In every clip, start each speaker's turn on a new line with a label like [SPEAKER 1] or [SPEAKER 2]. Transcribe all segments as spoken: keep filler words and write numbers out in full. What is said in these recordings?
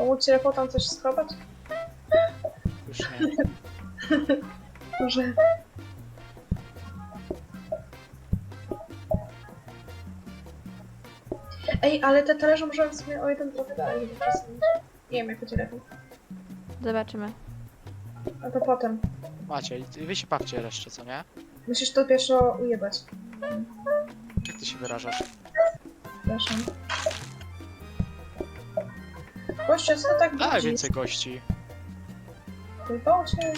[SPEAKER 1] Pomóc ci Rafał tam coś schować?
[SPEAKER 2] Już nie.
[SPEAKER 1] Może... Ej, ale te talerze możemy w sumie o jeden trochę dalej, żeby przesunąć. Nie wiem, jak będzie lepiej.
[SPEAKER 3] Zobaczymy.
[SPEAKER 1] A to potem.
[SPEAKER 2] Macie, i wy się bawcie jeszcze, co nie?
[SPEAKER 1] Musisz to pierwsze ujebać.
[SPEAKER 2] Jak ty się wyrażasz?
[SPEAKER 1] Przepraszam. Goście, co to tak
[SPEAKER 2] Daj
[SPEAKER 1] budzi?
[SPEAKER 2] więcej gości.
[SPEAKER 1] Wyjebało cię?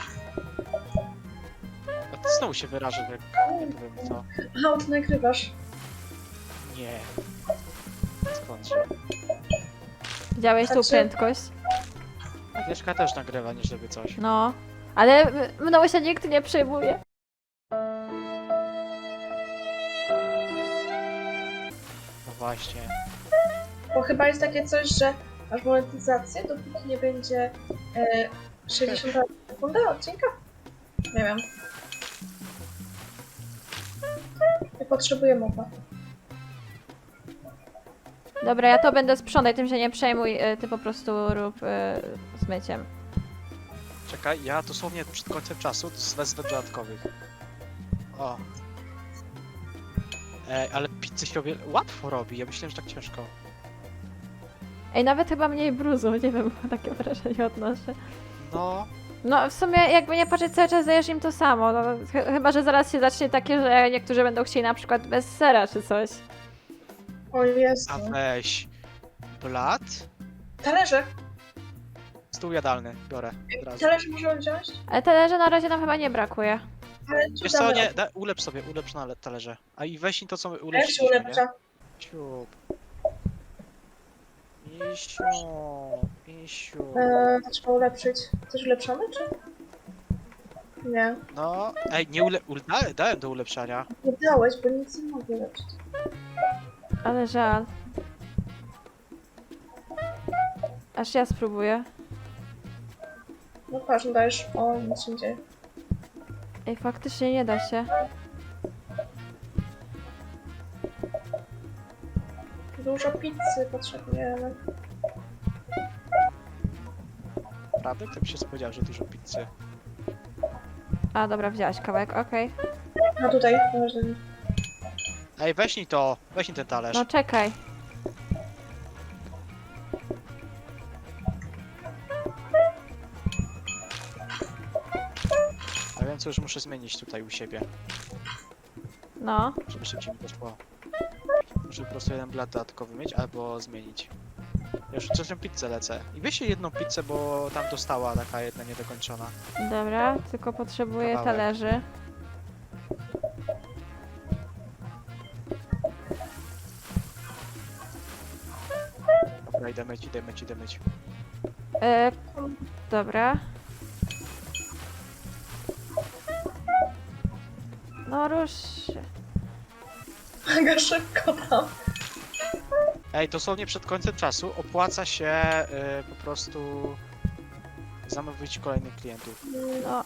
[SPEAKER 2] A ty znowu się wyrażasz, jak nie powiem co.
[SPEAKER 1] Aha, ty nagrywasz.
[SPEAKER 2] Nie. Skądże?
[SPEAKER 3] Widziałeś tą
[SPEAKER 1] Znaczy-
[SPEAKER 3] prędkość?
[SPEAKER 2] Agnieszka też nagrywa, nie żeby coś.
[SPEAKER 3] No. Ale m- mną się nikt nie przejmuje.
[SPEAKER 2] No właśnie.
[SPEAKER 1] Bo chyba jest takie coś, że masz monetyzację, dopóki nie będzie e, sześćdziesiąta sekunda odcinka? Nie wiem. Nie potrzebuję mowa.
[SPEAKER 3] Dobra, ja to będę sprzątać, tym się nie przejmuj, y, ty po prostu rób y, z myciem.
[SPEAKER 2] Czekaj, ja dosłownie przed końcem czasu wezmę dodatkowych. O. Ej, ale pizzę się robi... łatwo robi, ja myślałem, że tak ciężko.
[SPEAKER 3] Ej, nawet chyba mniej bruzu, nie wiem, takie wrażenie odnoszę.
[SPEAKER 2] No,
[SPEAKER 3] No w sumie jakby nie patrzeć, cały czas dajesz im to samo, no, ch chyba że zaraz się zacznie takie, że niektórzy będą chcieli na przykład bez sera czy coś.
[SPEAKER 1] O Jezu.
[SPEAKER 2] a weź. Blat?
[SPEAKER 1] Talerze!
[SPEAKER 2] Stół jadalny, biorę od razu.
[SPEAKER 1] Talerze możemy wziąć?
[SPEAKER 3] Ale talerze na razie nam chyba nie brakuje.
[SPEAKER 1] Ale
[SPEAKER 2] Wiesz co, nie, da, ulepsz sobie, ulepsz na talerze. A i weź mi to, co my
[SPEAKER 1] Ja się
[SPEAKER 2] ulepszyliśmy, nie?
[SPEAKER 1] ulepsza.
[SPEAKER 2] Ciup. Misiu, misiu.
[SPEAKER 1] Eee, to trzeba ulepszyć. Coś ulepszamy, czy? Nie.
[SPEAKER 2] No, ej, nie ule... ule dałem, dałem do ulepszania.
[SPEAKER 1] Nie dałeś, bo nic nie mogę ulepszyć.
[SPEAKER 3] Ale żal. Aż ja spróbuję.
[SPEAKER 1] No patrz, no dajesz. O, nic się nie dzieje.
[SPEAKER 3] Ej, faktycznie nie da się.
[SPEAKER 1] Dużo pizzy potrzebujemy.
[SPEAKER 2] Prawda? Kto by się spodziewał, że dużo pizzy.
[SPEAKER 3] A dobra, wzięłaś kawałek, okej.
[SPEAKER 1] No tutaj, można.
[SPEAKER 2] Ej, weź mi to, weź mi ten talerz.
[SPEAKER 3] No czekaj.
[SPEAKER 2] A wiem, co już muszę zmienić tutaj u siebie,
[SPEAKER 3] No.
[SPEAKER 2] żeby szybciej mi poszło. Muszę po prostu jeden blat dodatkowy mieć, albo zmienić. Ja już trzecią pizzę lecę. I weź jedną pizzę, bo tam dostała taka jedna niedokończona.
[SPEAKER 3] Dobra, tylko potrzebuję
[SPEAKER 2] Kawałek.
[SPEAKER 3] talerzy.
[SPEAKER 2] Dobra, idę myć, idę myć, idę myć.
[SPEAKER 3] E, dobra. No rusz się.
[SPEAKER 1] Mega szybko tam.
[SPEAKER 2] Ej, dosłownie przed końcem czasu opłaca się y, po prostu zamówić kolejnych klientów.
[SPEAKER 3] No,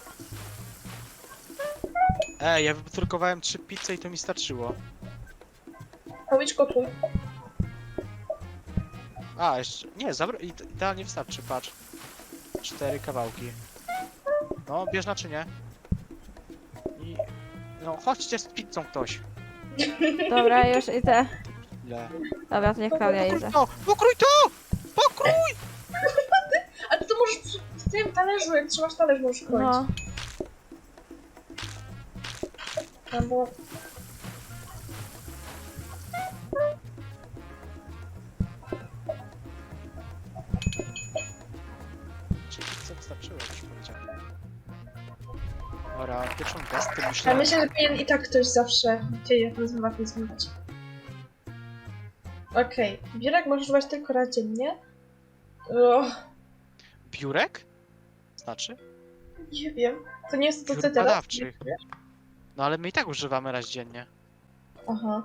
[SPEAKER 2] Ej, ja wyprodukowałem trzy pizze i to mi starczyło.
[SPEAKER 1] Powiedz gotuj.
[SPEAKER 2] A, jeszcze. Nie, zabra- ide- idealnie wystarczy, patrz. Cztery kawałki. No, bierz naczynie. I. No, chodźcie z pizzą ktoś.
[SPEAKER 3] dobra, już idę.
[SPEAKER 2] Ile?
[SPEAKER 3] Dobra, to niech Klaudia
[SPEAKER 2] Pokrój
[SPEAKER 3] idzie.
[SPEAKER 2] to! Pokrój to! Pokrój!
[SPEAKER 1] Ale to możesz przy, w tym talerzu, jak trzymasz talerz, możesz kroić.
[SPEAKER 3] No,
[SPEAKER 1] Tam było...
[SPEAKER 2] Czy pizza wystarczyło, jak już powiedziałem. Dobra, pierwszą gwiazdkę
[SPEAKER 1] Ale
[SPEAKER 2] myślę.
[SPEAKER 1] myślę, że powinien i tak ktoś zawsze dzieje rozmowach zmywać. Okej, okay. Biurek możesz używać tylko raz dziennie. O,
[SPEAKER 2] Biurek? Znaczy?
[SPEAKER 1] nie wiem. To nie jest to, co
[SPEAKER 2] Biur
[SPEAKER 1] ty teraz.
[SPEAKER 2] badawczych. No ale my i tak używamy raz dziennie.
[SPEAKER 1] Aha.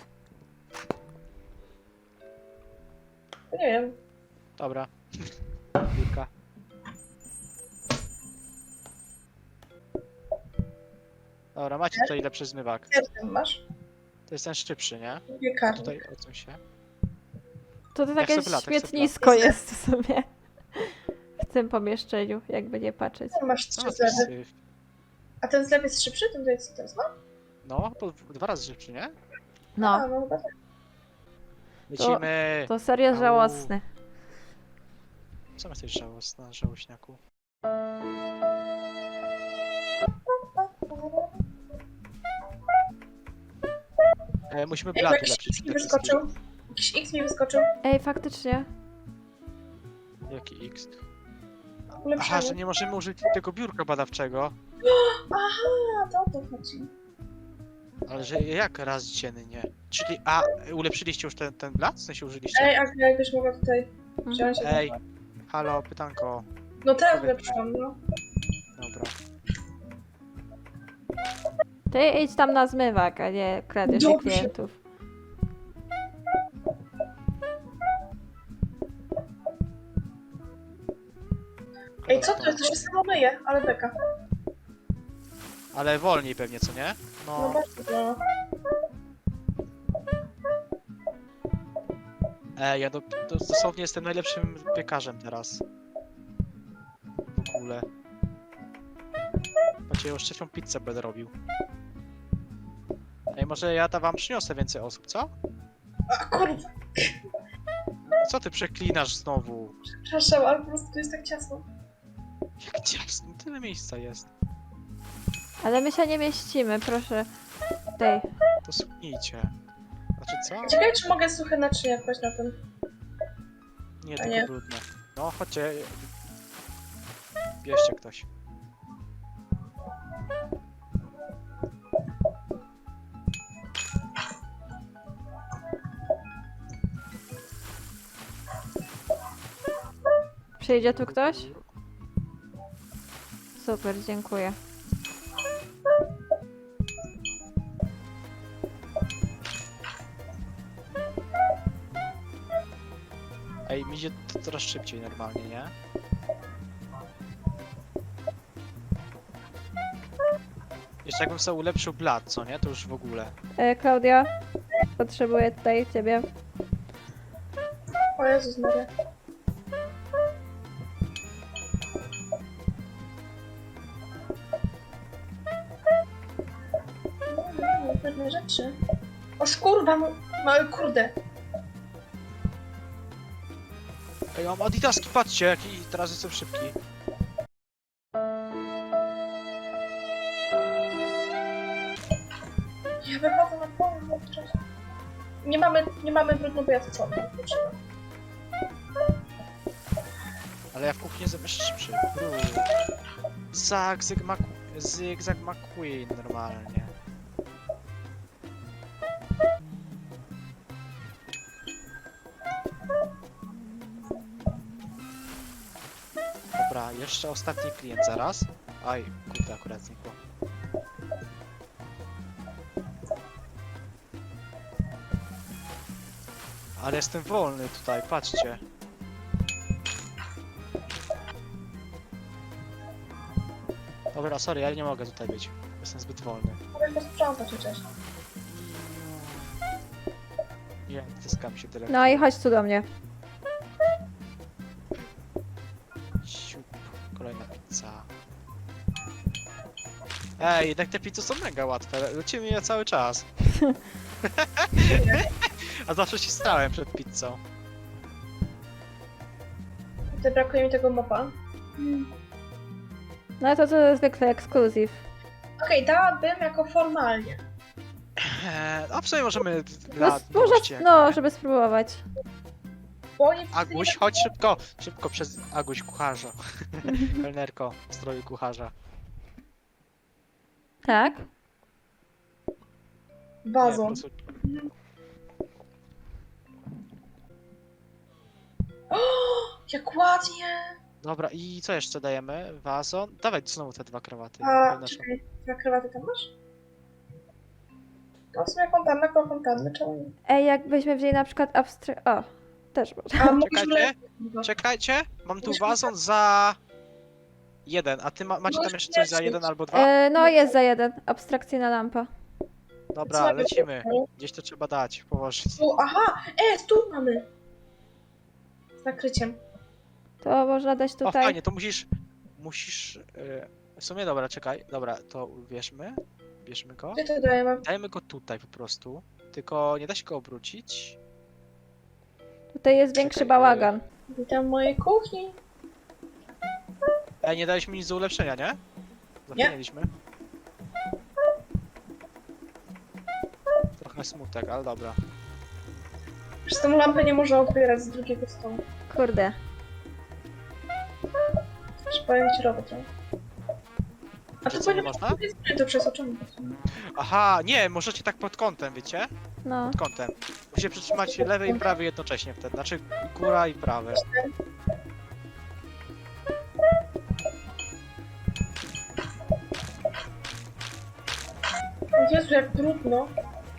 [SPEAKER 1] To nie wiem.
[SPEAKER 2] Dobra. Biurka. Dobra, macie tutaj lepszy zmywak.
[SPEAKER 1] Jak ten masz?
[SPEAKER 2] To jest ten szczypszy, nie?
[SPEAKER 1] Piekarnik.
[SPEAKER 2] Tutaj odsuń się.
[SPEAKER 3] to to
[SPEAKER 2] Jak
[SPEAKER 3] takie
[SPEAKER 2] sobie lata, jak sobie
[SPEAKER 3] śmietnisko
[SPEAKER 1] lata.
[SPEAKER 3] jest w sumie. tym pomieszczeniu, jakby nie patrzeć.
[SPEAKER 1] No, masz
[SPEAKER 2] Co
[SPEAKER 1] trzy
[SPEAKER 2] za
[SPEAKER 1] zlewy.
[SPEAKER 2] syf?
[SPEAKER 1] A ten zlew jest szybszy? Ten tutaj co to jest? No,
[SPEAKER 2] No, to dwa razy szybszy, nie?
[SPEAKER 3] No,
[SPEAKER 1] A, no chyba tak.
[SPEAKER 2] Lecimy!
[SPEAKER 3] to serio
[SPEAKER 2] Au.
[SPEAKER 3] żałosne.
[SPEAKER 2] Co jesteś żałosna, żałośniaku? E, musimy
[SPEAKER 1] Ej,
[SPEAKER 2] blat
[SPEAKER 1] jakiś
[SPEAKER 2] ulepszyć
[SPEAKER 1] X mi
[SPEAKER 2] przede wszystkim.
[SPEAKER 1] wyskoczył. Jakiś X mi wyskoczył.
[SPEAKER 3] Ej, faktycznie.
[SPEAKER 2] Jaki X? Aha,
[SPEAKER 1] Ulepszamy.
[SPEAKER 2] że nie możemy użyć tego biurka badawczego.
[SPEAKER 1] Aha, to o to chodzi.
[SPEAKER 2] Ale że jak raz dziennie? Czyli, a ulepszyliście już ten, ten blat? W sensie użyliście?
[SPEAKER 1] Ej, Agnia, jakbyś mogła tutaj
[SPEAKER 3] Mhm.
[SPEAKER 1] wziąć.
[SPEAKER 2] Ej, halo, pytanko.
[SPEAKER 1] No teraz ulepszyłam, no.
[SPEAKER 2] Dobra.
[SPEAKER 3] Ty idź tam na zmywak, a nie kradzież
[SPEAKER 1] Dobrze.
[SPEAKER 3] klientów.
[SPEAKER 1] Ej, co to jest? To się samo myje, ale beka.
[SPEAKER 2] Ale wolniej pewnie, co nie?
[SPEAKER 1] No
[SPEAKER 2] No,
[SPEAKER 1] bardzo, no.
[SPEAKER 2] ej, ja do, do, dosłownie jestem najlepszym piekarzem teraz. W ogóle. Patrzcie, już trzecią pizzę będę robił. Ej, może ja da wam przyniosę więcej osób, co?
[SPEAKER 1] A kurwa,
[SPEAKER 2] Co ty przeklinasz znowu?
[SPEAKER 1] przepraszam, ale po prostu tu jest tak ciasno.
[SPEAKER 2] Jak ciasno, tyle miejsca jest.
[SPEAKER 3] Ale my się nie mieścimy, proszę. Tutaj.
[SPEAKER 2] To słuchajcie. Znaczy co?
[SPEAKER 1] Ciekawe, czy mogę suche naczynia kłaść na tym.
[SPEAKER 2] Nie,
[SPEAKER 1] A
[SPEAKER 2] tylko
[SPEAKER 1] nie.
[SPEAKER 2] brudne. No, chodźcie. Bierzcie ktoś.
[SPEAKER 3] Przyjdzie tu ktoś? Super, dziękuję.
[SPEAKER 2] Ej, mi idzie to coraz szybciej normalnie, nie? Jeszcze jakbym sobie ulepszył blat, co nie? To już w ogóle.
[SPEAKER 3] E, Klaudia, potrzebuję tutaj ciebie.
[SPEAKER 1] O Jezus Maria. No, no, pewne rzeczy. O skurwa, no, mały kurde.
[SPEAKER 2] Ej, mam adidaski, patrzcie, jaki teraz jestem szybki.
[SPEAKER 1] Ja wychodzę na połowę w czasie. Nie mamy, nie mamy brudno, bo ja to co?
[SPEAKER 2] Ale ja w kuchni jestem jeszcze szybszy. Brud. Zag, Mac... Zygzak McQueen normalnie. Dobra, jeszcze ostatni klient zaraz. Aj, kurde, akurat znikło. Ale jestem wolny tutaj, patrzcie. Dobra, sorry, ja nie mogę tutaj być. Jestem zbyt wolny.
[SPEAKER 1] Mogę posprzątać chociaż.
[SPEAKER 2] Nie, wciskam się tyle.
[SPEAKER 3] No i chodź tu do mnie.
[SPEAKER 2] Siup, kolejna pizza. Ej, jednak te pizze są mega łatwe. Lecimy je cały czas. A zawsze się stałem przed pizzą.
[SPEAKER 1] Tutaj brakuje mi tego mopa.
[SPEAKER 3] No to to zwykle ekskluzyw.
[SPEAKER 1] Okej, dałabym jako formalnie.
[SPEAKER 2] Eee, a w sumie możemy
[SPEAKER 3] No,
[SPEAKER 2] dla
[SPEAKER 3] może,
[SPEAKER 2] miłości, jak
[SPEAKER 3] no,
[SPEAKER 2] nie?
[SPEAKER 3] żeby spróbować.
[SPEAKER 1] Bo oni wszyscy
[SPEAKER 2] Aguś,
[SPEAKER 1] nie
[SPEAKER 2] chodź szybko! Szybko przez Aguś kucharza. Kelnerko w stroju kucharza.
[SPEAKER 3] Tak?
[SPEAKER 2] Nie, po
[SPEAKER 1] Wazon.
[SPEAKER 2] prostu-
[SPEAKER 1] O, jak ładnie!
[SPEAKER 2] Dobra, i co jeszcze dajemy? Wazon? Dawaj znowu te dwa krawaty.
[SPEAKER 1] A,
[SPEAKER 2] Jedne są-
[SPEAKER 1] czekaj, dwa krawaty tam masz? To w sumie fontanna, koło fontanny, czemu nie?
[SPEAKER 3] Ej, jakbyśmy wzięli na przykład abstry... O, też można.
[SPEAKER 1] A mógłbyś
[SPEAKER 2] Czekajcie.
[SPEAKER 1] le-
[SPEAKER 2] Czekajcie, mam tu wazon za jeden, a ty ma, macie tam jeszcze coś za jeden albo dwa?
[SPEAKER 3] E, no, jest za jeden. Abstrakcyjna lampa.
[SPEAKER 2] Dobra,
[SPEAKER 1] Co
[SPEAKER 2] lecimy. Gdzieś to trzeba dać, położyć.
[SPEAKER 1] Tu, aha! E, tu mamy! Z nakryciem.
[SPEAKER 3] To można dać
[SPEAKER 2] O,
[SPEAKER 3] tutaj.
[SPEAKER 2] fajnie, to musisz... Musisz... Yy, w sumie, dobra, czekaj. Dobra, to bierzmy. Bierzmy go.
[SPEAKER 1] Gdzie to dajemy?
[SPEAKER 2] Dajmy go tutaj po prostu. Tylko nie da się go obrócić.
[SPEAKER 3] Tutaj jest większy
[SPEAKER 2] Czekaj,
[SPEAKER 3] bałagan.
[SPEAKER 1] Witam w mojej kuchni.
[SPEAKER 2] Ej, nie daliśmy nic do ulepszenia, nie? Zapomnieliśmy. Trochę smutek, ale dobra.
[SPEAKER 1] Przez tą lampę nie można otwierać z drugiego stołu.
[SPEAKER 3] Kurde.
[SPEAKER 1] Przypowiem ci robot. A
[SPEAKER 2] Że
[SPEAKER 1] to
[SPEAKER 2] co, nie
[SPEAKER 1] nie
[SPEAKER 2] można?
[SPEAKER 1] to przez oczy.
[SPEAKER 2] Aha, nie, możecie tak pod kątem, wiecie?
[SPEAKER 3] No.
[SPEAKER 2] Pod kątem. Musicie przytrzymać lewy i prawy jednocześnie wtedy. Znaczy góra i prawy.
[SPEAKER 1] Jezu, jak trudno.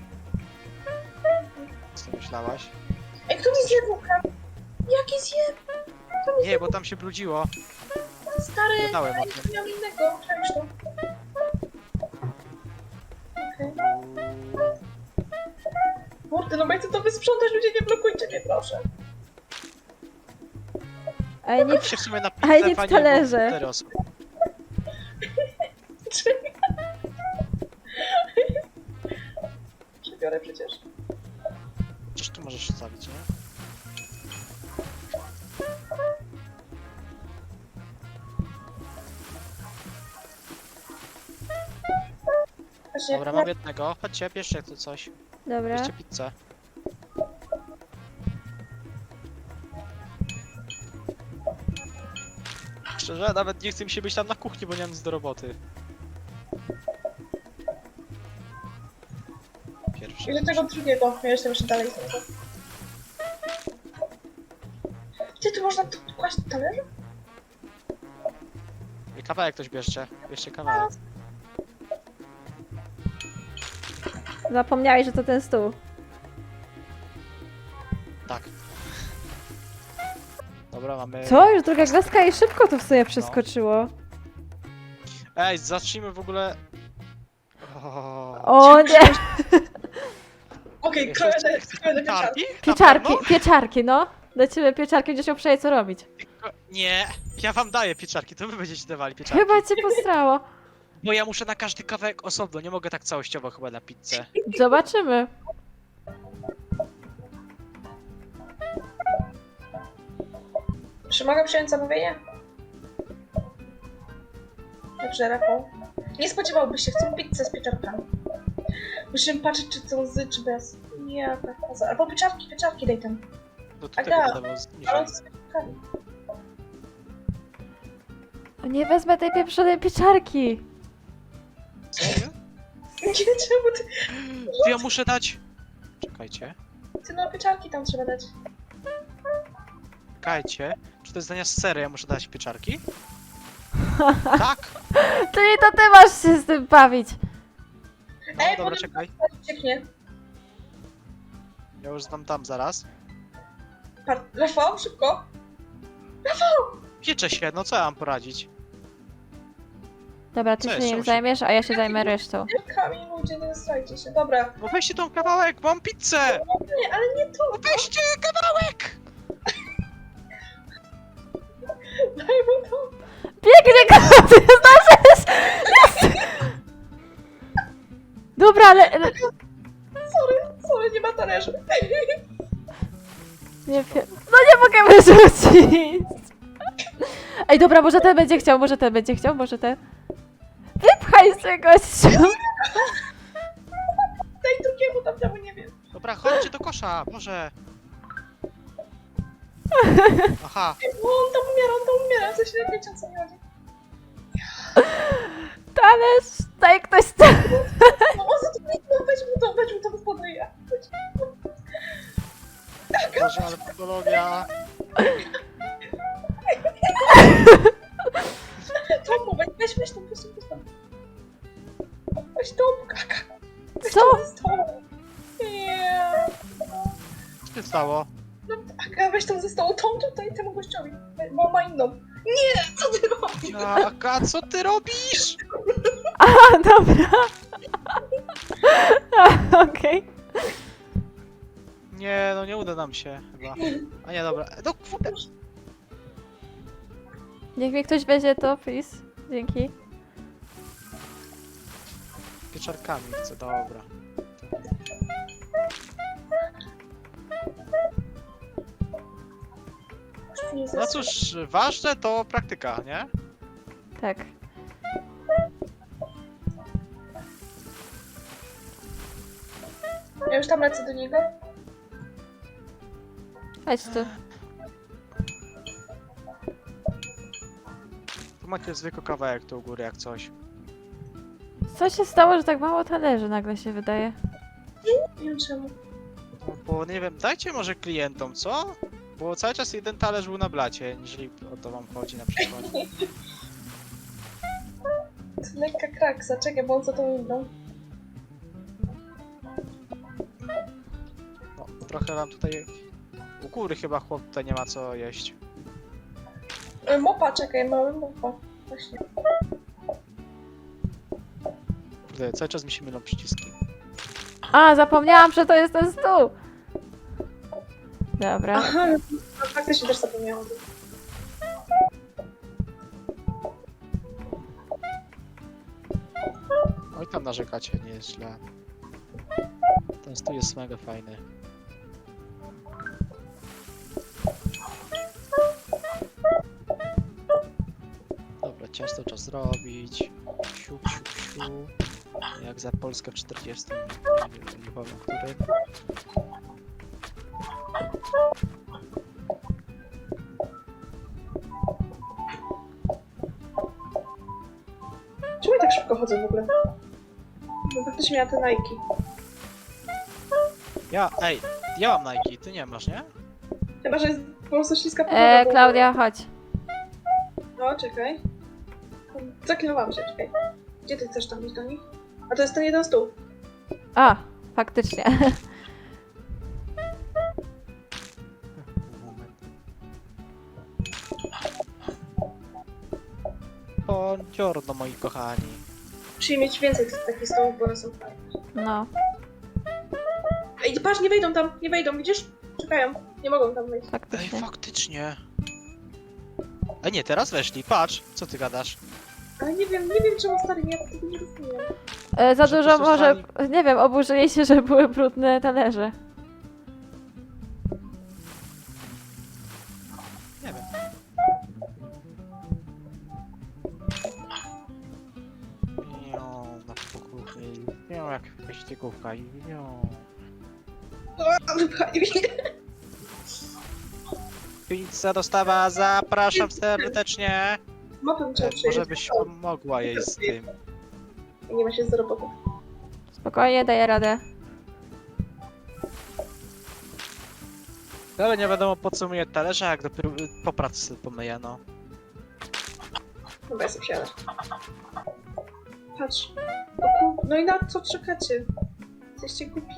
[SPEAKER 2] Co myślałaś?
[SPEAKER 1] Ej, kto mi zjadł krab? Jaki zjadł?
[SPEAKER 2] Nie, bo tam się brudziło.
[SPEAKER 1] Stary,
[SPEAKER 2] Gadałem o
[SPEAKER 1] ej,
[SPEAKER 2] tym.
[SPEAKER 1] miał innego. Cześć to. Okej. Kurde, no bo ja chcę to wysprzątać, ludzie nie blokujcie mnie, proszę.
[SPEAKER 3] Ej, nie...
[SPEAKER 2] się w sumie na
[SPEAKER 3] Ale
[SPEAKER 2] pizzę
[SPEAKER 3] nie w
[SPEAKER 2] fajnie, bo
[SPEAKER 3] talerze.
[SPEAKER 2] cztery osoby.
[SPEAKER 1] Przebiorę przecież.
[SPEAKER 2] Przecież tu możesz wstawić, nie?
[SPEAKER 1] Właśnie,
[SPEAKER 2] Dobra, mam jednego. Chodźcie, bierzcie tu coś.
[SPEAKER 3] Dobra.
[SPEAKER 2] Bierzcie pizzę. Szczerze, nawet nie chce mi się być tam na kuchni, bo nie mam nic do roboty. Pierwszy.
[SPEAKER 1] I do tego drugiego. Ja jestem jeszcze dalej. Gdzie tu można tu kłaść na talerzu?
[SPEAKER 2] I kawałek ktoś bierzcie. Bierzcie kawałek.
[SPEAKER 3] Zapomniałeś, że to ten stół.
[SPEAKER 2] Tak. Dobra, mamy...
[SPEAKER 3] Co? Już druga gwiazdka i szybko to w sobie przeskoczyło.
[SPEAKER 2] Ej, zacznijmy w ogóle... O,
[SPEAKER 3] O nie!
[SPEAKER 1] Okej,
[SPEAKER 2] Jeszcze
[SPEAKER 1] kroję
[SPEAKER 2] chcesz
[SPEAKER 1] kroję do pieczarki.
[SPEAKER 2] pieczarki? Na
[SPEAKER 3] Pieczarki,
[SPEAKER 2] pewno?
[SPEAKER 3] pieczarki, no. Do ciebie pieczarki będziesz miał przejść co robić.
[SPEAKER 2] Nie, ja wam daję pieczarki, to wy będziecie dawali pieczarki.
[SPEAKER 3] Chyba cię postrało.
[SPEAKER 2] Bo ja muszę na każdy kawałek osobno, nie mogę tak całościowo chyba na pizzę.
[SPEAKER 3] Zobaczymy.
[SPEAKER 1] Czy mogę przyjąć zamówienie? Dobrze, Rafał. Nie spodziewałbyś się, chcą pizzę z pieczarkami. Musimy patrzeć, czy są z, czy bez. Nie, tak. Albo pieczarki, pieczarki daj tam.
[SPEAKER 2] No to
[SPEAKER 1] Aga,
[SPEAKER 2] tego będę zniżej.
[SPEAKER 1] Ale z pieczarkami.
[SPEAKER 3] O, nie wezmę tej pieprzonej pieczarki.
[SPEAKER 2] Serio?
[SPEAKER 1] Nie, czemu ty?
[SPEAKER 2] To ja muszę dać... Czekajcie.
[SPEAKER 1] Ty no pieczarki tam trzeba dać.
[SPEAKER 2] Czekajcie. Czy to jest dania z sery, ja muszę dać pieczarki? Tak!
[SPEAKER 3] Czyli to ty masz się z tym bawić.
[SPEAKER 2] No
[SPEAKER 1] Ej,
[SPEAKER 2] dobra,
[SPEAKER 1] potem-
[SPEAKER 2] czekaj.
[SPEAKER 1] Cieknie.
[SPEAKER 2] Ja już znam tam zaraz.
[SPEAKER 1] Par- Rafał, szybko.
[SPEAKER 2] Pieczę się, no co ja mam poradzić?
[SPEAKER 3] Dobra, ty
[SPEAKER 2] Co
[SPEAKER 3] się
[SPEAKER 2] jest?
[SPEAKER 3] nim
[SPEAKER 2] Czemu się-
[SPEAKER 3] zajmiesz, a ja się zajmę resztą.
[SPEAKER 1] Kamień, ludzie, nie strajcie się. Dobra.
[SPEAKER 2] No weźcie tą kawałek, mam pizzę!
[SPEAKER 1] Nie, ale nie tu.
[SPEAKER 2] No weźcie kawałek!
[SPEAKER 1] Daj mu to.
[SPEAKER 3] Biegnie go, ty zdążysz! Jest! Dobra, ale... ale-
[SPEAKER 1] Sorry, sorry, nie ma talerzy.
[SPEAKER 3] Nie wiem. No nie mogę wyrzucić! Ej, dobra, może ten będzie chciał, może ten będzie chciał, może ten... Wypchaj się, gościu!
[SPEAKER 1] Daj drugiemu tam, temu nie wiem.
[SPEAKER 2] Dobra, chodźcie do kosza, może. Aha,
[SPEAKER 1] No on tam umiera, on tam umiera. Coś nie wiecie, o co mi chodzi.
[SPEAKER 3] Talerz, daj ktoś ten...
[SPEAKER 1] No o co tu no, weź mu to, weź mu to wyspoduje.
[SPEAKER 2] Boże, ale patologia.
[SPEAKER 1] Tomu, weź, weź, weź tam, weź tam, weź tam. Weź tą, kaka. Weź
[SPEAKER 3] Co?
[SPEAKER 1] tą ze stołu. Nie.
[SPEAKER 2] Co się stało?
[SPEAKER 1] No, Aga, weź tą ze stołu, tą tutaj temu gościowi, bo ma inną. Nie, co ty robisz?
[SPEAKER 2] Jaka, co ty robisz?
[SPEAKER 3] A, dobra. A, okej.
[SPEAKER 2] Nie, no nie uda nam się chyba. A nie, dobra. No kurde.
[SPEAKER 3] Niech mi ktoś weźmie to, please. Dzięki.
[SPEAKER 2] Pieczarkami chcę, dobra.
[SPEAKER 1] Już tu nie
[SPEAKER 2] No
[SPEAKER 1] zasnę.
[SPEAKER 2] cóż, ważne to praktyka, nie?
[SPEAKER 3] Tak.
[SPEAKER 1] Ja już tam lecę do niego.
[SPEAKER 3] Chodź tu.
[SPEAKER 2] Tu macie zwykły kawałek tu u góry jak coś.
[SPEAKER 3] Co się stało, że tak mało talerzy nagle się wydaje?
[SPEAKER 1] Nie wiem czemu.
[SPEAKER 2] No, bo nie wiem, dajcie może klientom, co? Bo cały czas jeden talerz był na blacie, jeżeli o to wam chodzi na przykład.
[SPEAKER 1] To lekka kraksa, czekaj, bo on za tą inną.
[SPEAKER 2] No, trochę wam tutaj... U góry chyba chłop tutaj nie ma co jeść.
[SPEAKER 1] E, Mopa, czekaj, mały mopa. Właśnie.
[SPEAKER 2] Kurde, cały czas mi się mylą przyciski.
[SPEAKER 3] A, zapomniałam, że to jest ten stół! Dobra.
[SPEAKER 1] Aha, no, faktycznie też zapomniałam.
[SPEAKER 2] Oj tam narzekacie, nie jest źle. Ten stół jest mega fajny. Dobra, ciasto czas zrobić. Siup, siup, siup. Jak za Polskę w czterdziestym. Nie wiem, nie powiem, który.
[SPEAKER 1] Czemu ja tak szybko chodzę w ogóle? Bo faktycznie miała te Nike.
[SPEAKER 2] Ja, ej, ja mam Nike, ty nie masz, nie?
[SPEAKER 1] Chyba, że jest po prostu śliska podłoga.
[SPEAKER 3] E,
[SPEAKER 1] bo-
[SPEAKER 3] Klaudia, chodź.
[SPEAKER 1] No, czekaj. Zaklinowałam się, czekaj. Gdzie ty chcesz tam iść do nich? A to jest ten jeden stół.
[SPEAKER 3] A, faktycznie.
[SPEAKER 2] Buongiorno, moi kochani.
[SPEAKER 1] Musimy mieć więcej tych takich stołów, bo one są fajne.
[SPEAKER 3] No.
[SPEAKER 1] Ej, patrz, nie wejdą tam, nie wejdą, widzisz? Czekają, nie mogą tam wejść.
[SPEAKER 2] Ej,
[SPEAKER 3] Faktycznie.
[SPEAKER 2] faktycznie. A nie, teraz weszli, patrz, co ty gadasz?
[SPEAKER 1] Ale nie wiem, nie wiem czemu stary, ja tego nie rozumiem.
[SPEAKER 3] E, za
[SPEAKER 2] Że
[SPEAKER 3] dużo
[SPEAKER 2] po prostu
[SPEAKER 3] może, nie wiem, oburzyli się, że były brudne talerze.
[SPEAKER 2] Nie wiem. Miau, na kuchni. Miau, jak wyścigówka i miau.
[SPEAKER 1] O, wypchali mnie.
[SPEAKER 2] Pizza dostawa, zapraszam serdecznie.
[SPEAKER 1] Mopem trzeba
[SPEAKER 2] E,
[SPEAKER 1] przyjść.
[SPEAKER 2] Może byś pomogła jej z tym.
[SPEAKER 1] Nie ma się z roboty.
[SPEAKER 3] Spokojnie, daję radę.
[SPEAKER 2] Ale nie wiadomo po co myję talerze, jak dopiero y, po pracy pomyję, no.
[SPEAKER 1] Dobra, ja sobie wsiadę. Patrz. O kur... No i na co czekacie? Jesteście głupi.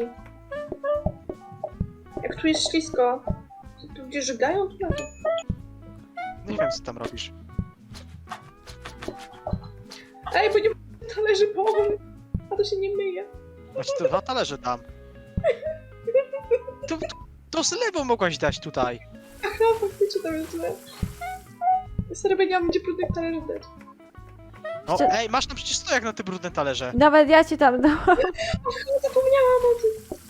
[SPEAKER 1] Jak tu jest ślisko. To tu gdzie żygają? Tu na to.
[SPEAKER 2] Nie wiem co tam robisz.
[SPEAKER 1] Ej, bo nie ma talerzy połowę. A to się nie myje.
[SPEAKER 2] Właśnie to dwa talerze dam. To, to, to z lewą mogłaś dać tutaj.
[SPEAKER 1] Aha, faktycznie tam jest źle. Serio, nie mam gdzie brudnych talerzy dać.
[SPEAKER 2] No
[SPEAKER 3] Jeszcze-
[SPEAKER 2] ej, masz tam przecież stojak na te brudne talerze.
[SPEAKER 3] Nawet ja ci tam dałam.
[SPEAKER 1] Ach, zapomniałam o tym.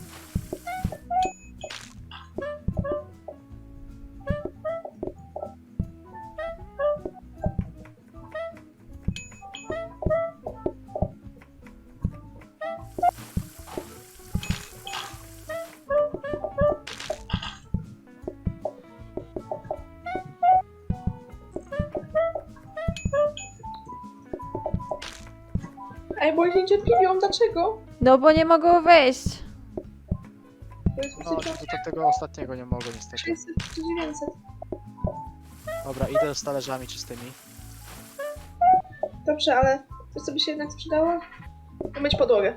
[SPEAKER 1] Ej, bo się niecierpliwią, dlaczego?
[SPEAKER 3] No bo nie mogą wejść.
[SPEAKER 1] To jest
[SPEAKER 2] No,
[SPEAKER 1] psycho.
[SPEAKER 2] to, to tego ostatniego nie mogę niestety.
[SPEAKER 1] sześćset czy dziewięćset.
[SPEAKER 2] Dobra, idę z talerzami czystymi.
[SPEAKER 1] Dobrze, ale coś co by się jednak sprzedało? Umyć podłogę.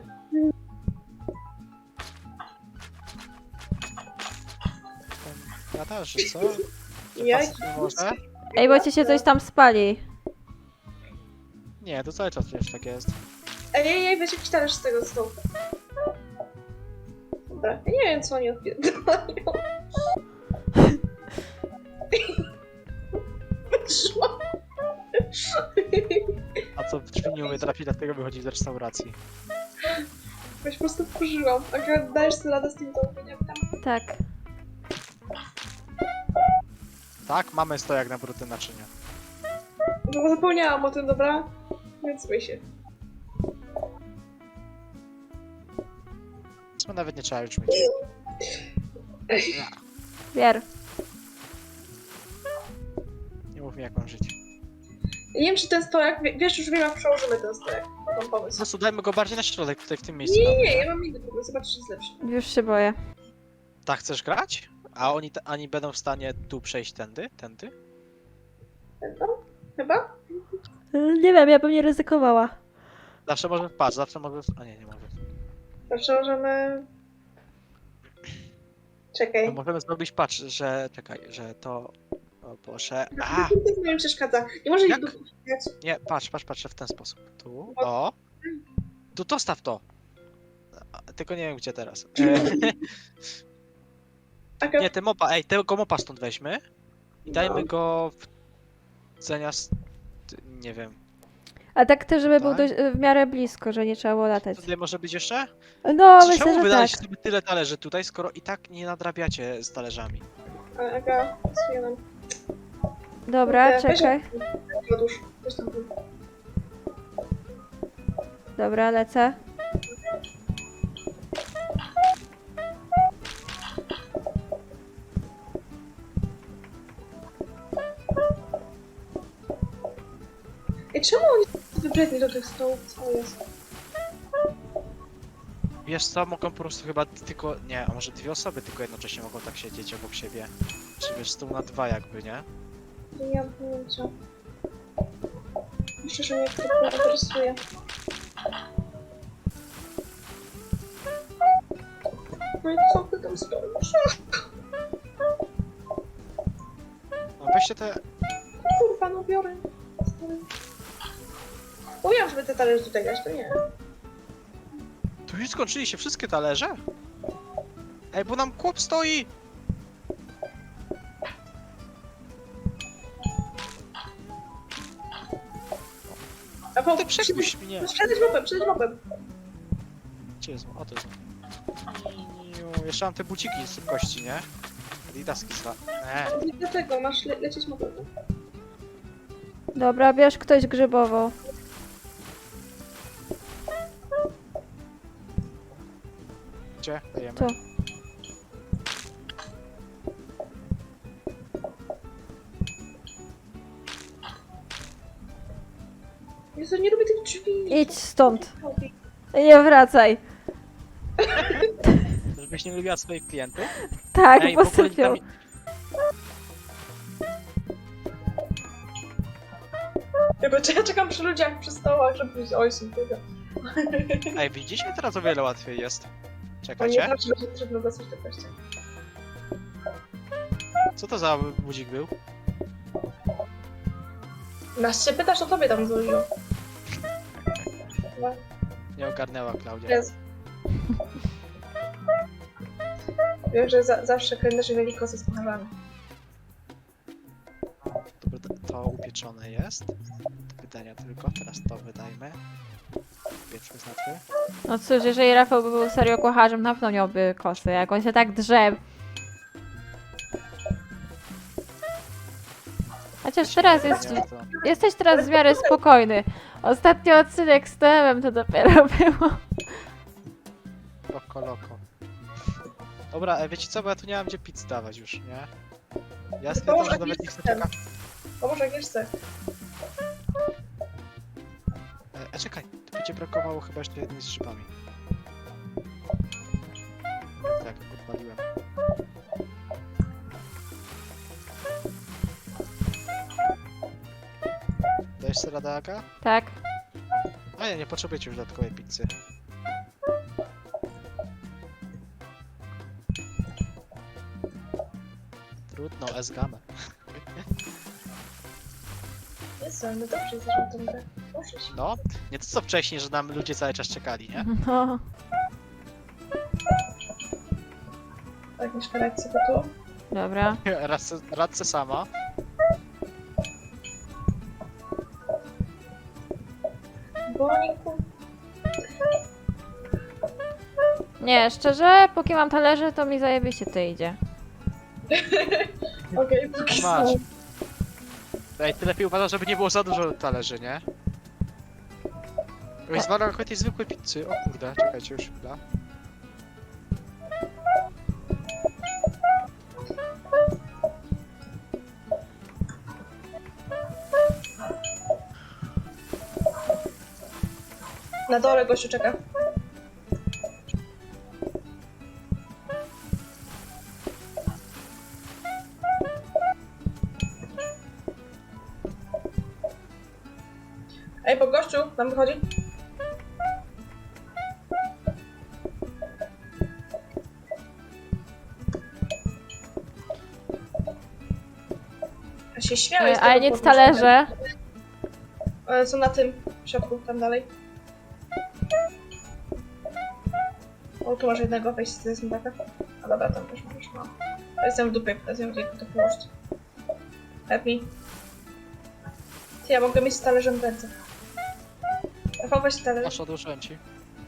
[SPEAKER 2] Ja też, co?
[SPEAKER 1] Ja...
[SPEAKER 2] Facet nie może?
[SPEAKER 3] Ej, bo ci się coś tam spali.
[SPEAKER 2] Nie, to cały czas przecież tak jest.
[SPEAKER 1] Ej, ej, ej, weź jakiś talerz z tego stołu. Dobra, ja nie wiem co oni odpierdalają. Wyszło.
[SPEAKER 2] drzwi nie umie trafić, dlatego wychodzi z restauracji.
[SPEAKER 1] Weź po prostu wkurzyłam. A dajesz sobie radę z tym zamówieniem tam?
[SPEAKER 3] Tak.
[SPEAKER 2] Tak, mamy stojak na brudne naczynia.
[SPEAKER 1] No bo zapomniałam o tym, dobra? Więc myj się.
[SPEAKER 2] Co nawet nie trzeba już mieć.
[SPEAKER 3] Wier.
[SPEAKER 2] Nie mów mi jak mam żyć.
[SPEAKER 1] Nie wiem, czy ten stojak, wie- wiesz, już wiem, jak przełożymy ten stojak. Mam
[SPEAKER 2] Po
[SPEAKER 1] pomysł.
[SPEAKER 2] prostu dajmy go bardziej na środek, tutaj w tym miejscu.
[SPEAKER 1] Nie, nie,
[SPEAKER 2] damy,
[SPEAKER 1] nie,
[SPEAKER 2] tak?
[SPEAKER 1] ja mam inny pomysł, zobaczysz, jest lepszy.
[SPEAKER 3] Już się boję.
[SPEAKER 2] Tak chcesz grać? A oni, t- oni będą w stanie tu przejść tędy? Tędy?
[SPEAKER 1] Będą? Chyba?
[SPEAKER 3] Nie wiem, ja bym nie ryzykowała.
[SPEAKER 2] Zawsze może wpaść, zawsze może... A nie, nie może.
[SPEAKER 1] Zawsze możemy... Czekaj.
[SPEAKER 2] No możemy zrobić, patrz, że... Czekaj, że to... O Boże... A!
[SPEAKER 1] To mi przeszkadza. Nie może ich
[SPEAKER 2] Jak?
[SPEAKER 1] dopuszczać.
[SPEAKER 2] Nie, patrz, patrz, patrz w ten sposób. Tu, o! Tu dostaw to! A, tylko nie wiem gdzie teraz. E,
[SPEAKER 1] Aga,
[SPEAKER 2] nie, ten mopa, ej, tego mopa stąd weźmy i dajmy go w... zamiast... nie wiem.
[SPEAKER 3] A tak też, żeby był
[SPEAKER 2] Tak?
[SPEAKER 3] dość, w miarę blisko, że nie trzeba było latać.
[SPEAKER 2] Tutaj może być jeszcze?
[SPEAKER 3] No,
[SPEAKER 2] Czy
[SPEAKER 3] myślę,
[SPEAKER 2] czemu
[SPEAKER 3] że
[SPEAKER 2] wydaliście
[SPEAKER 3] tak.
[SPEAKER 2] sobie tyle talerzy tutaj, skoro i tak nie nadrabiacie z talerzami?
[SPEAKER 1] Aga, pasuje nam.
[SPEAKER 3] Dobra,
[SPEAKER 1] Weź-
[SPEAKER 3] czekaj.
[SPEAKER 1] Odłóż. Weź tam.
[SPEAKER 3] Dobra, lecę.
[SPEAKER 1] Ej, czemu oni wybredni do tych stołów? Co jest?
[SPEAKER 2] Wiesz co, mogą po prostu chyba tylko... nie, a może dwie osoby tylko jednocześnie mogą tak siedzieć obok siebie. Czy wiesz, stół na dwa jakby, nie?
[SPEAKER 1] Nie mam pojęcia. Myślę, że mnie to interesuje. No i co ty tam stoisz?
[SPEAKER 2] No weźcie te...
[SPEAKER 1] Kurwa, no biorę. Stary. Mówiłam, żeby te talerze tutaj dać, to nie.
[SPEAKER 2] Tu już skończyli się wszystkie talerze? Ej, bo nam chłop stoi!
[SPEAKER 1] A po,
[SPEAKER 2] Ty przepuść mnie!
[SPEAKER 1] Przedeć mopem, przedeć mopem.
[SPEAKER 2] Gdzie jest? O, to jest... Niu, jeszcze mam te buciki z kości, nie? Adidaski zwa... Nie.
[SPEAKER 1] Nie dlatego, masz le lecieć mopem.
[SPEAKER 3] Dobra, bierz ktoś grzybową.
[SPEAKER 2] Gdzie? Dajemy.
[SPEAKER 3] Tu.
[SPEAKER 1] Jezu, nie lubię tych drzwi.
[SPEAKER 3] Idź stąd. Nie wracaj.
[SPEAKER 2] Żebyś nie lubiła swoich klientów?
[SPEAKER 3] Tak,
[SPEAKER 2] Ej, w ogóle
[SPEAKER 3] posypią.
[SPEAKER 2] tam-
[SPEAKER 1] Ja, bo ja czekam przy ludziach, przy stołach, żeby powiedzieć, oj, są tego.
[SPEAKER 2] Ej, widzicie? Teraz o wiele łatwiej jest.
[SPEAKER 1] A nie
[SPEAKER 2] Czekajcie.
[SPEAKER 1] zawsze będzie trudno dostać do kościa.
[SPEAKER 2] Co to za budzik był?
[SPEAKER 1] Nas się pytasz, o tobie tam dzwoniło. Chyba.
[SPEAKER 2] Nie ogarnęła Klaudia.
[SPEAKER 1] Jest. Wiem, że za zawsze kalendarze mieli kosy z pucharzami.
[SPEAKER 2] Dobra, to- to upieczone jest. Do wydania tylko. Teraz to wydajmy. Pieczmy znaczy.
[SPEAKER 3] No cóż, jeżeli Rafał by był serio kucharzem, na pewno miałby kosy, jak on się tak drze. Chociaż teraz jest,
[SPEAKER 2] Nie, to...
[SPEAKER 3] jesteś teraz w miarę spokojny. Ostatni odcinek z Temem to dopiero było.
[SPEAKER 2] Loko, loko. Dobra, e, wiecie co, bo ja tu nie mam gdzie pizz dawać już, nie? Ja stwierdzam,
[SPEAKER 1] może
[SPEAKER 2] że nawet nie chcę czekać.
[SPEAKER 1] Pomóż Agnieszce.
[SPEAKER 2] E, e, czekaj, tu będzie brakowało chyba jeszcze jednej z grzybami. Tak, odpaliłem. Dajesz sobie radę, Aga?
[SPEAKER 3] Tak.
[SPEAKER 2] A nie, nie potrzebujecie już dodatkowej pizzy. Trudno, S-gamę.
[SPEAKER 1] Jezu, ale my dobrze jesteśmy w tym grę. Proszę się.
[SPEAKER 2] No, nie to co wcześniej, że nam ludzie cały czas czekali, nie?
[SPEAKER 3] No.
[SPEAKER 1] Agnieszka, radź sobie tu.
[SPEAKER 3] Dobra.
[SPEAKER 2] Radce, radce sama.
[SPEAKER 1] chuj.
[SPEAKER 3] Nie, szczerze, póki mam talerze, to mi zajebiście to idzie.
[SPEAKER 1] Okej, póki
[SPEAKER 2] Masz.
[SPEAKER 1] są.
[SPEAKER 2] Ej, ty lepiej uważaj, żeby nie było za dużo talerzy, nie? Oj, zwalał jako tej zwykłej pizzy. O kurde, czekajcie już chwila.
[SPEAKER 1] Na dole gościu czeka. Ej, bo gościu tam wychodzi. Ja się śmiałem z
[SPEAKER 3] E,
[SPEAKER 1] tego
[SPEAKER 3] ale nie
[SPEAKER 1] powodu,
[SPEAKER 3] talerze.
[SPEAKER 1] że- E, Są na tym w środku, tam dalej. O, tu masz jednego, weź z zębaka. A dobra, tam też możesz, no. Ja jestem w dupie, teraz nie wiem, gdzie to położyć. Help me. Ty, ja mogę mieć z talerzem w ręce. Rafał, weź talerz.
[SPEAKER 2] Masz, odłożyłem ci.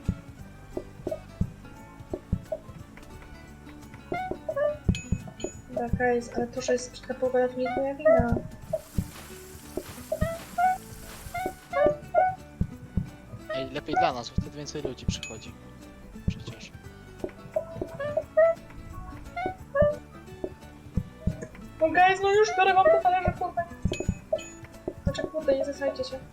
[SPEAKER 1] Taka jest, ale to, że jest brzydka pogoda, to nie jest moja wina.
[SPEAKER 2] Ej, lepiej dla nas, bo wtedy więcej ludzi przychodzi. Przecież.
[SPEAKER 1] No guys, no już biorę wam te talerze, kurde. Znaczy, kurde, nie zasajcie się.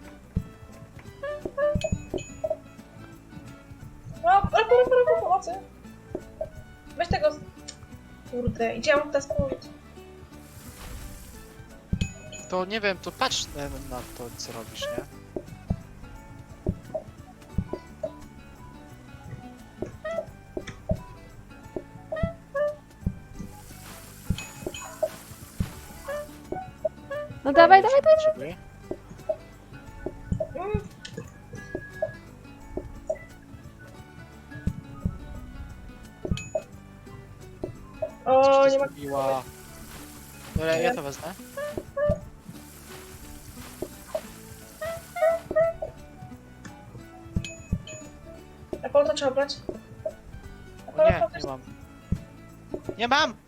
[SPEAKER 1] No, ale porę, porę, porę, pomocy. Weź tego... z- Kurde, idzie ja mam teraz położyć.
[SPEAKER 2] To nie wiem, to patrz na, na to, co robisz, nie?
[SPEAKER 3] No dawaj,
[SPEAKER 2] Już
[SPEAKER 3] dawaj, dawaj.
[SPEAKER 2] potrzebuję.
[SPEAKER 1] Mm. O,
[SPEAKER 2] Coś
[SPEAKER 1] nie ma...
[SPEAKER 2] zrobiła. Dobra, ja to wezmę.
[SPEAKER 1] Apple to trzeba brać.
[SPEAKER 2] O nie, nie mam. Nie mam!